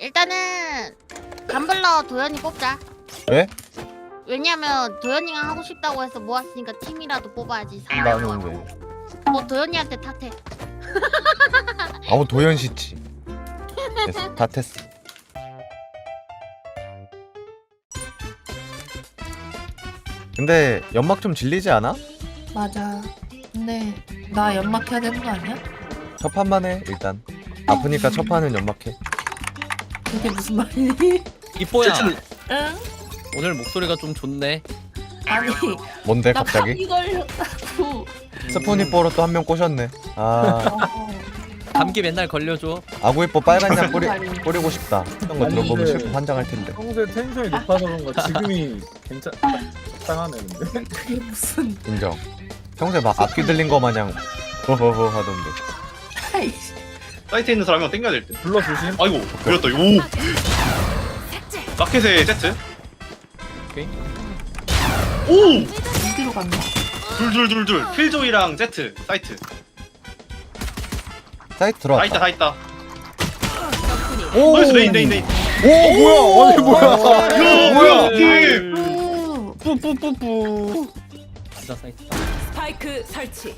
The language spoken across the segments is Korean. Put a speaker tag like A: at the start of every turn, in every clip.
A: 일단은 감블러 도현이 뽑자.
B: 왜?
A: 왜냐면 도현이가 하고 싶다고 해서 모았으니까 팀이라도 뽑아야지.
B: 나는 왜?
A: 뭐 도현이한테 탓해.
B: 아무 도현 씨지. 됐어, 다 됐어. 근데 연막 좀 질리지 않아?
C: 맞아. 근데 나 연막해야 되는 거 아니야?
B: 첫 판만 해 일단. 아프니까 첫 판은 연막해.
C: 그게 무슨 말이니?
D: 이뽀야
C: 응?
D: 오늘 목소리가 좀 좋네.
C: 아니
B: 뭔데
C: 나
B: 갑자기?
C: 감기 걸렸다고.
B: 스포니뽀로 또 한 명 꼬셨네. 아
D: 감기 맨날 걸려줘.
B: 아구이뽀 빨간 약 뿌리고 싶다. 이런 거
E: 아니,
B: 들어보면
E: 근데-
B: 슬퍼 환장할 텐데.
E: 평소에 텐션이 높아서 그런가 지금이 적당하네 근데.
C: 그게 무슨
B: 인정. 평소에 막 악기 들린 거 마냥 허허허 하던데.
C: 아이씨.
F: 사이트에 있는 사람이 땡겨야 될 듯.
E: 불러 조심.
F: 아이고 그렸다. 오. 마켓의 세트.
D: 오케이.
F: 오.
C: 어디로 갔나?
F: 둘. 필조이랑 세트 사이트.
B: 사이트
F: 다 있다
B: 들어왔다.
F: 다 있다.
B: 오,
F: 나이스 레인.
B: 오 뭐야? 아니 뭐야?
F: 야 뭐야 팀.
C: 오.
D: 뿌뿌뿌뿌. 진짜 사이트다.
G: 스파이크 설치.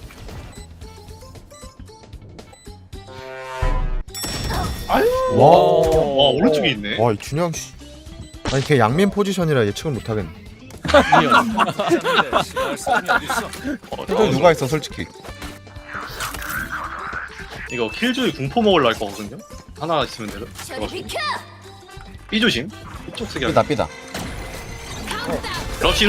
B: 와.
F: 와 오른쪽에 있네.
B: 와, 이 준영 씨. 아니 걔 양민 포지션이라 예측을 못 하겠네. 해도 누가 있어 솔직히.
F: 이거 킬조이 궁포 먹으려 할 거거든요. 하나 있으면 되려. B 조심. 이쪽 쓰기
B: 삐다
F: 하기.
B: 삐다.
F: 러시.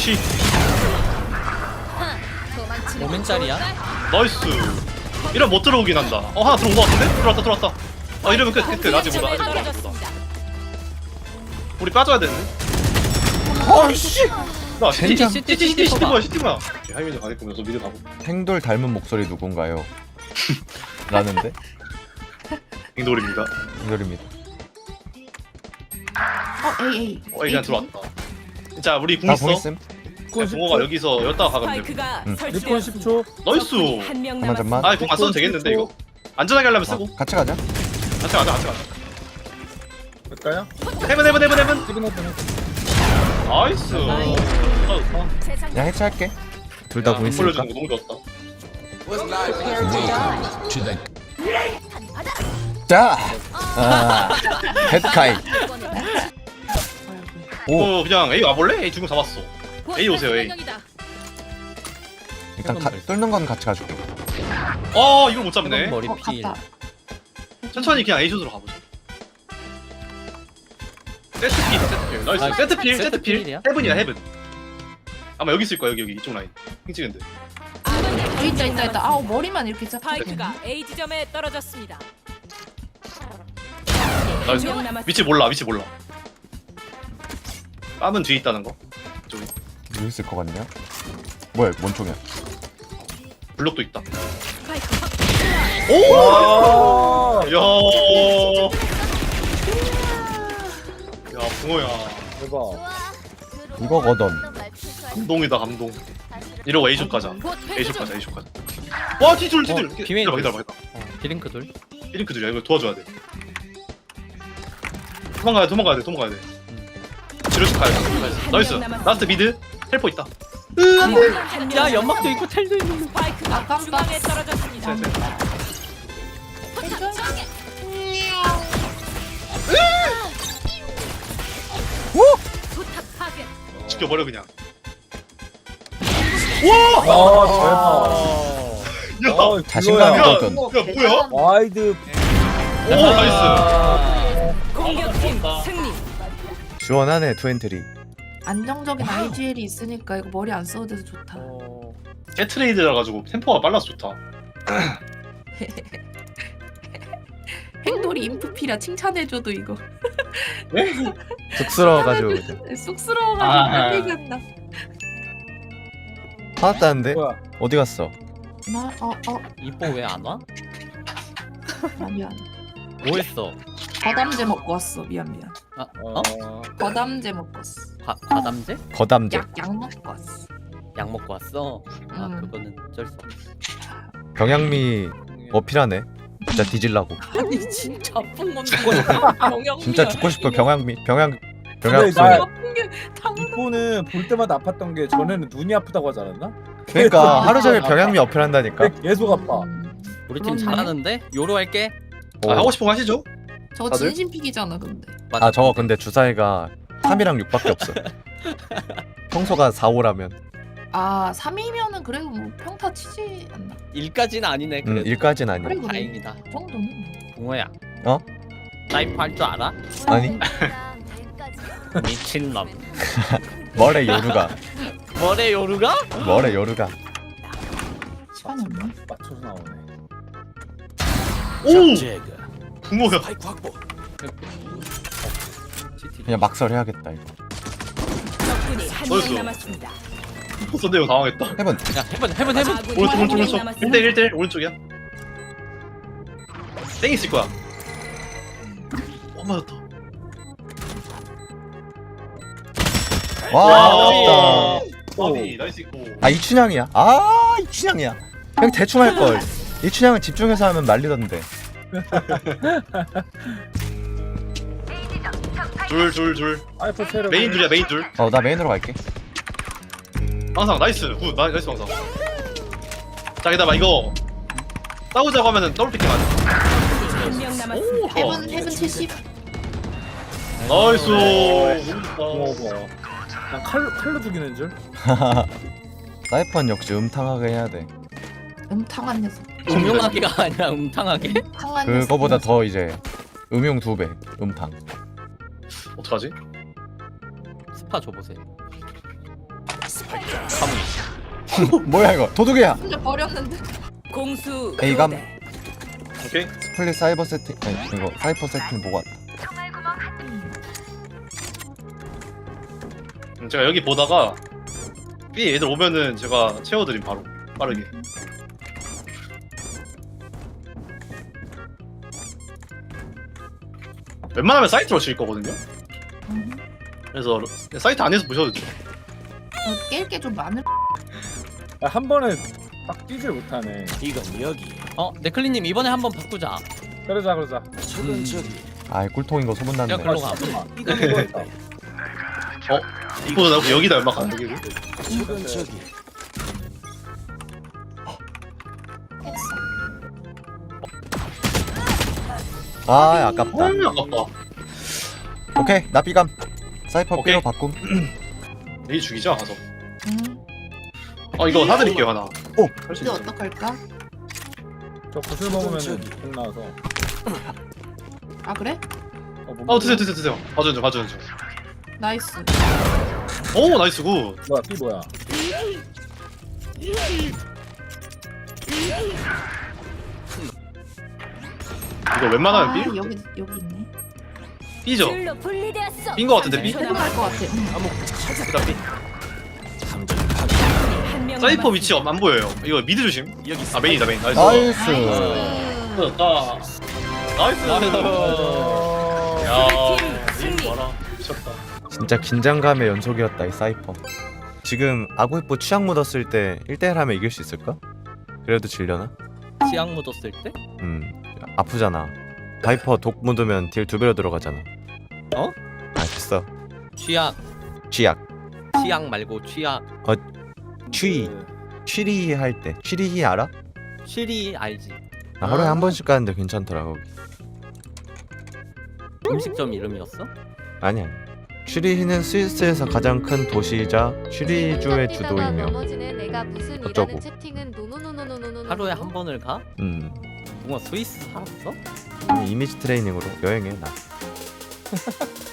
D: 오멘짜리야?
F: 나이스. 이러면 못 들어오긴 한다. 하나 들어온 거 같은데? 들어왔다. 아 이러면 끝. 아직
G: 점에
F: 보다.
G: 떨어졌습니다.
F: 우리 빠져야 되는데.
B: 아이씨.
F: 나
B: 젠장.
F: 시티 뭐야. 하이미도 가겠면서 미드 가고.
B: 행돌 닮은 목소리 누군가요? 라는데
F: 빙돌입니다.
B: 행돌입니다.
C: 에이.
F: 그냥 들어왔다. 자 우리 궁
B: 나
F: 있어.
B: 보겠음.
F: 동호가 여기서 여기다가 가면 돼.
G: 스파이크가
B: 응.
E: 리폰
G: 설치되었습니다.
E: 10초.
F: 나이스.
G: 한명
B: 잠만 잠만.
F: 아, 궁 안 써도 되겠는데 이거. 안전하게 하려면 쓰고.
B: 같이 가자.
F: 같이 가자.
E: 될까요?
F: 헤븐.
E: 시그널
F: 나이스.
B: 그냥 해체할게. 둘 다
F: 야,
B: 공 있으니까.
F: 올려주는 거 너무 좋았다.
B: 자, 헤드카이. 오,
F: 그냥 A 와볼래? A 중국 잡았어. A 오세요 A.
B: 일단 뚫는 건 같이 가줄게.
F: 이걸 못 잡네.
D: 머리 필.
C: 갔다.
F: 천천히 그냥 A 슛으로 가보자. 세트필. 나이스.
D: 아,
F: 세트필.
D: 세트필이야?
F: 헤븐이야 헤븐. 아마 여기 있을 거야 여기 이쪽 라인. 핑 찍은데.
C: 있다. 아우 머리만 이렇게 쫙.
G: 스파이크가 A 지점에 떨어졌습니다.
F: 나이스.
G: 한명 남았습니다.
F: 위치 몰라. 빰은 뒤에 있다는 거. 저기
B: 여기 있을 것 같냐? 뭐야, 뭔 총이야?
F: 블록도 있다.
G: 스파이크 확.
F: 오! 야. 야 붕어야.
E: 대박.
B: 이거거든.
F: 감동이다 감동. 이러고 A숍 가자.
G: 곧
F: A숍
G: 회수
F: 가자.
G: 중.
F: 와 뒤둘.
D: 비메인
F: 기다려봐.
D: 비링크 돌.
F: 삐링크들이야 이거 도와줘야 돼. 도망가야 돼. 지르식 가야 돼. 나이스. 라스트 미드. 헬퍼 있다.
G: 한명
D: 야 연막도 있고 텔도 있는.
G: 스파이크가
C: 아, 깜빡.
G: 중앙에 떨어졌습니다. 포탑 파괴.
F: 지켜버려 그냥. 야,
E: 아,
B: 자신감이거든.
F: 뭐야?
E: 와이드.
F: 오 나이스.
G: 공격팀 승리.
B: 시원하네, 투엔트리.
C: 안정적인 IGL이 있으니까 이거 머리 안 써도 돼서 좋다.
F: 게트레이드라 가지고 템포가 빨라서 좋다.
C: 행돌이 인프피라 칭찬해줘도 이거
B: 쑥스러워가지고 그냥.
C: 쑥스러워가지고
F: 아.
C: 할 얘기한다.
B: 화났다는데?
E: 뭐야?
B: 어디 갔어?
D: 이뽀 왜 안 와?
C: 미안.
D: 뭐 했어?
C: 과담제 먹고 왔어. 미안.
D: 어?
C: 과담제 먹고 왔어.
D: 과담제?
B: 거담제.
C: 약 먹고 왔어.
D: 약 먹고 왔어? 아
C: 음.
D: 그거는 어쩔 수 없어.
B: 경양미 어필하네. 진짜 뒤질라고.
D: 아니 진짜 아픈 건데. 병영.
B: 진짜 죽고 싶어. 병양
E: 근데
B: 소리.
C: 아픈 게 당연한.
E: 이거는 볼 때마다 아팠던 게 전에는 눈이 아프다고 하지 않았나?
B: 그러니까 하루 종일 병양미 어필한다니까.
E: 계속 아파.
D: 우리 팀
C: 그렇네.
D: 잘하는데 요로 할게.
F: 아, 하고 싶은 거 하시죠?
C: 저거
F: 다들?
C: 진심픽이잖아 근데.
B: 아 저거 근데 주사위가 3이랑 6밖에 없어. 평소가 4, 5라면.
C: 아 3이면은 그래도 뭐 평타 치지 않나?
D: 1까지는 아니네. 그래도.
B: 1까지는 아니야.
C: 그래 그래.
D: 다행이다.
C: 그 정도는.
D: 붕어야.
B: 어?
D: 사이퍼 할 줄 알아?
B: 아니
D: 미친놈.
B: 뭐래 요루가.
D: 뭐래 요루가?
B: 뭐래 요루가.
C: 시간이 없네.
E: 맞춰서 나오네.
F: 오! 붕어야.
B: 그냥 막설 해야겠다 이거.
G: 적군이 한
F: 어딨어?
G: 명 남았습니다.
F: 선대요 당황했다.
B: 해본.
D: 야 해본.
G: 아군이
F: 오른쪽
G: 한명
F: 오른쪽
G: 남았습니다.
F: 1대1 오른쪽이야. 땡 있을 거야. 맞았다.
B: 와 아깝다.
F: 아니 나이스 있고.
B: 아 이춘향이야. 아 이춘향이야. 그냥 대충 할 걸. 이춘향은 집중해서 하면 말리던데.
F: 둘.
E: 아이폰 체력.
F: 메인 둘이야 메인 둘.
B: 나 메인으로 갈게.
F: 항상 나이스 굿 나이스 항상. 자 게다가 이거 싸우자고 하면은 더블 피킹 하자.
G: 한 명 남았습니다.
F: 좋아.
C: 헤븐 70.
F: 나이스.
E: 먹어. 난 칼로 죽이는 줄.
B: 사이펀 역시 음탕하게 해야 돼.
C: 음탕한 녀석.
D: 음용하게가 아니라 음탕하게.
C: 음탕한 녀석.
B: 그거보다 더 이제 음용 2배. 음탕.
F: 어떡하지?
D: 스파 줘보세요.
B: 뭐야 이거? 도둑이야.
C: 혼자 버렸는데.
G: 공수
B: A감.
G: 교대.
F: 오케이.
B: 스플릿 사이버 세팅. 아니 이거 사이퍼 세팅 보고 왔다.
F: 제가 여기 보다가 B 애들 오면은 제가 채워드림 바로 빠르게. 웬만하면 사이트로 칠 거거든요. 그래서 사이트 안에서 보셔도 돼요.
C: 깰 게 좀 많을.
E: 한 번에 딱 뛰질 못하네.
D: 네클리님 이번에 한번 바꾸자.
E: 그러자.
B: 아 꿀통인 거 소문났네.
D: 야 글로 가.
E: 이거 했다.
F: 이거 나 혹시 여기다 연막 안 되게?
B: 아 아깝다.
F: 아깝다.
B: 오케이 나 B감. 사이퍼
F: 오케이.
B: B로 바꿈.
F: 내일 죽이자 가서.
C: 응.
F: 이거 사드릴게요 하나.
B: 오.
F: 할수
C: 이제
F: 있어.
C: 어떡할까?
E: 저 구슬 먹으면은 공 나와서.
C: 아 그래?
F: 드세요. 봐주는 중.
C: 나이스.
F: 오 나이스 굿.
E: 뭐야 B 뭐야?
F: 이거 웬만하면
C: 아,
F: B?
C: 여기 있네.
F: B죠?
G: 줄로 분리되었어.
F: B인 거 같은데 B?
C: 해븐 갈것 같아.
F: 일단 B.
G: 한명
F: 사이퍼 위치 안 보여요. 이거 미드 조심. 아 메인이다 메인. 나이스.
B: 나이스.
F: 좋다. 나이스. 야.
G: 승리.
F: 봐라. 미쳤다.
B: 진짜 긴장감의 연속이었다 이 사이퍼. 지금 아구이뽀 취향 묻었을 때 1대1 하면 이길 수 있을까? 그래도 질려나?
D: 치약 묻었을 때?
B: 아프잖아. 바이퍼 독 묻으면 딜 2배로 들어가잖아.
D: 어?
B: 아 됐어.
D: 취약.
B: 취약.
D: 치약 말고 취약.
B: 취. 취리 할 때. 취리히 알아?
D: 쉬리 알지?
B: 나 하루에 한 번씩 가는데 괜찮더라 거기.
D: 음식점 이름이었어?
B: 아니야. 취리히는 스위스에서 가장 큰 도시이자 취리주의 주도이며 어쩌고.
D: 하루에 한 번을 가? 뭔가 스위스 살았어?
B: 이미지 트레이닝으로 여행해 나.